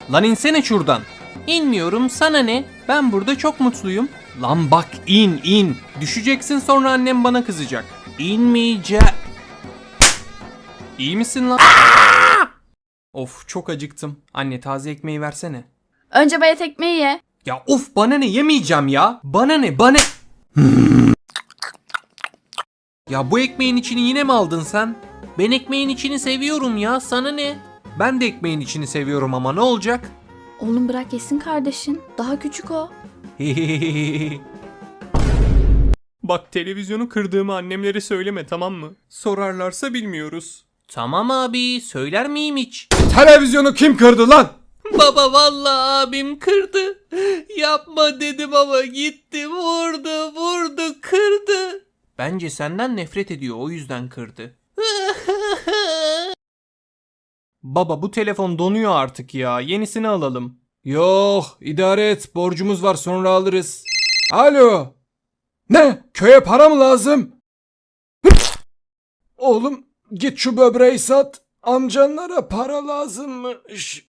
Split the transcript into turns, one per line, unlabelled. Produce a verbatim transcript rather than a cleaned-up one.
Lan insene şuradan. İnmiyorum, sana ne? Ben burada çok mutluyum. Lan bak, in in. Düşeceksin, sonra annem bana kızacak. İnmeyeceğim. İyi misin lan? Of, çok acıktım. Anne, taze ekmeği versene.
Önce bayat ekmeği ye.
Ya of, bana ne, yemeyeceğim ya. Bana ne, bana... Ya bu ekmeğin içini yine mi aldın sen? Ben ekmeğin içini seviyorum ya, sana ne? Ben de ekmeğin içini seviyorum ama ne olacak?
Oğlum bırak yesin kardeşin. Daha küçük o.
Bak, televizyonu kırdığımı annemlere söyleme, tamam mı? Sorarlarsa bilmiyoruz. Tamam abi, söyler miyim hiç?
Televizyonu kim kırdı lan?
Baba, vallahi abim kırdı. Yapma dedim ama gitti, vurdu vurdu kırdı. Bence senden nefret ediyor, o yüzden kırdı. Baba, bu telefon donuyor artık ya, yenisini alalım.
Yok, idare et, borcumuz var, sonra alırız. Alo. Ne? Köye para mı lazım? Oğlum git şu böbreği sat. Amcanlara para lazımmış.